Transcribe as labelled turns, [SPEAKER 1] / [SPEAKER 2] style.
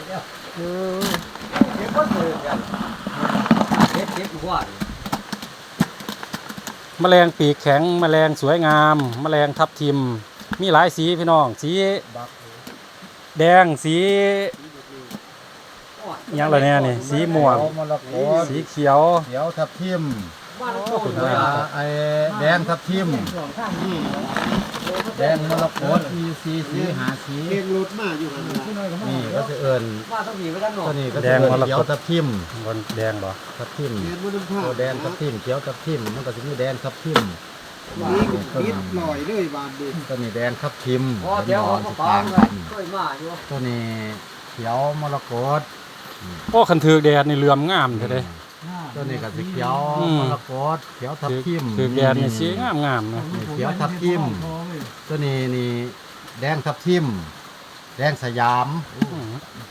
[SPEAKER 1] เออ
[SPEAKER 2] เก็บก็เลยกันเก็บหัว
[SPEAKER 1] แมลงปีกแข็งแมลงสวยงามแมลงทับทิมมีหลายสีพี่น้องสีแดงสีหยังละเนี่ยนี่สีม่วง
[SPEAKER 3] มรกต
[SPEAKER 1] สีเขียว
[SPEAKER 3] เขียวทับทิม
[SPEAKER 2] บ้านเราคนเลย
[SPEAKER 3] ไอ้แดงทับทิมแดงมรกตมีสีหาสี
[SPEAKER 4] เองรถมาอยู่กัน
[SPEAKER 3] นี่ก็จะเอิญ
[SPEAKER 2] บ้านต้องมีไว้ด้านนอก
[SPEAKER 3] ตัวนี้ก็จะเอิญเขียวทับทิม
[SPEAKER 1] บนแดงบ่
[SPEAKER 3] ทับทิม
[SPEAKER 4] เรียนมันน้ำผ้า
[SPEAKER 3] ตัวแดงทับทิมเขียวทับทิมมันก็จะมีแดงทับทิม
[SPEAKER 4] นี่นิดหน่อยเลยบานดู
[SPEAKER 3] ตัวนี้แดงทับทิม
[SPEAKER 2] พอเดี๋ยวเขาก็ปังเลยช่วยมาอยู่
[SPEAKER 3] ตัวนี้เขียวมรกต
[SPEAKER 1] โอ้คันถือแดดนี่เหลื่อมงามเท่เด้
[SPEAKER 3] ตัวนี้ก็สีเขียว
[SPEAKER 1] อืม
[SPEAKER 3] มรกตเขียวทับทิม
[SPEAKER 1] ถือแดดนี่สีงามๆนะ
[SPEAKER 3] นี่เขียวทับทิมตัวนี้นี่แดงทับทิมแดงสยาม
[SPEAKER 1] อืม